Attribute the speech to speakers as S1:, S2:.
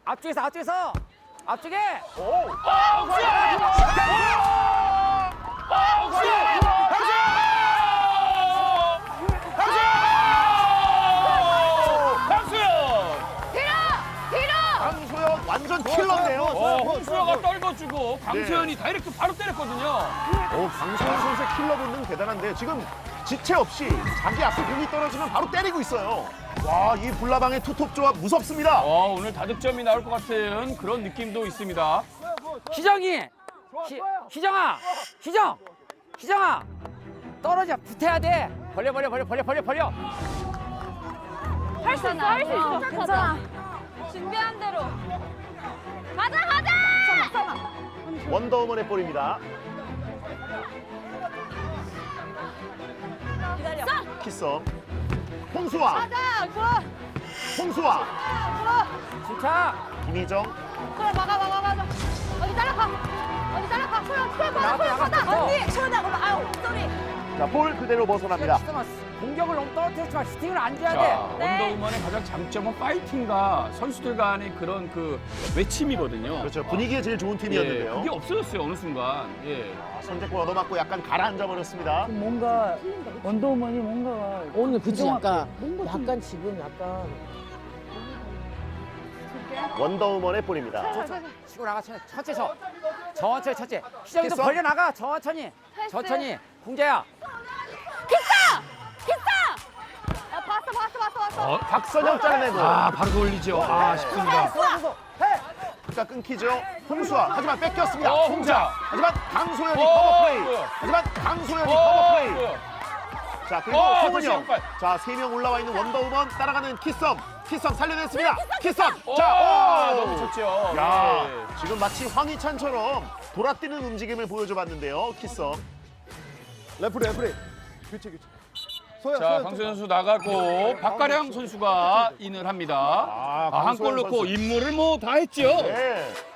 S1: 앞쪽에서 앞쪽에서 앞쪽에.
S2: 강소연 완전 킬러인데요.
S3: 홍수아가 떨궈주고 강소연이 다이렉트 바로 때렸거든요.
S2: 강소연 선수의 킬러 본능 대단한데 지금 지체 없이 자기 앞에 공이 떨어지면 바로 때리고 있어요. 와, 이 불나방의 투톱 조합 무섭습니다.
S3: 오늘 다득점이 나올 것 같은 그런 느낌도 있습니다.
S1: 희정이. 희정아. 희정아. 떨어져 붙어야 돼. 벌려.
S4: 할 수 있어. 괜찮아. 준비한 대로. 가자.
S2: 원더우먼의 볼입니다.
S4: 기다려.
S2: 키썸. 홍수아.
S4: 가자.
S2: 홍수아.
S1: 진짜.
S2: 김희정.
S4: 그래 막아. 어디 따라가. 소연
S1: 나갔다.
S4: 언니 소연아 그럼 아유 쏘리.
S2: 자, 볼 그대로 벗어납니다.
S1: 공격을 너무 떨어뜨렸지만 슈팅을 안 줘야
S3: 자,
S1: 돼.
S3: 원더우먼의 가장 장점은 파이팅과 선수들 간의 그런 그 외침이거든요.
S2: 그렇죠. 분위기에 제일 좋은 팀이었는데요.
S3: 그게 없어졌어요, 어느 순간.
S2: 선제골 얻어맞고 약간 가라앉아 버렸습니다.
S5: 뭔가 원더우먼이 뭔가가
S6: 오늘 그치
S5: 부정확해.
S6: 약간 지금 약간
S2: 원더우먼의 볼입니다.
S1: 치고 나가 천천히. 희정이도
S2: 됐어?
S1: 벌려 나가 천천히. 공자야.
S4: 야 봤어.
S2: 박선영 잘라내고.
S3: 바로 돌리죠. 아쉽습니다.
S2: 자, 끊기죠. 홍수아. 하지만 뺏겼습니다.
S3: 홍자.
S2: 하지만 강소연이 커버 플레이. 자, 그리고 송은영.
S3: 양발.
S2: 자, 3명 올라와 있는 원더우먼 따라가는 키썸 살려냈습니다. 키썸.
S3: 너무 좋죠.
S2: 야,
S3: 예.
S2: 지금 마치 황희찬처럼 돌아뛰는 움직임을 보여줘봤는데요. 키썸.
S7: 레프리. 교체.
S3: 자, 강소연 선수 나가고 박가량 선수가 인을 합니다. 한
S2: 강소연
S3: 골 넣고
S2: 선수.
S3: 임무를 다 했죠.
S2: 네.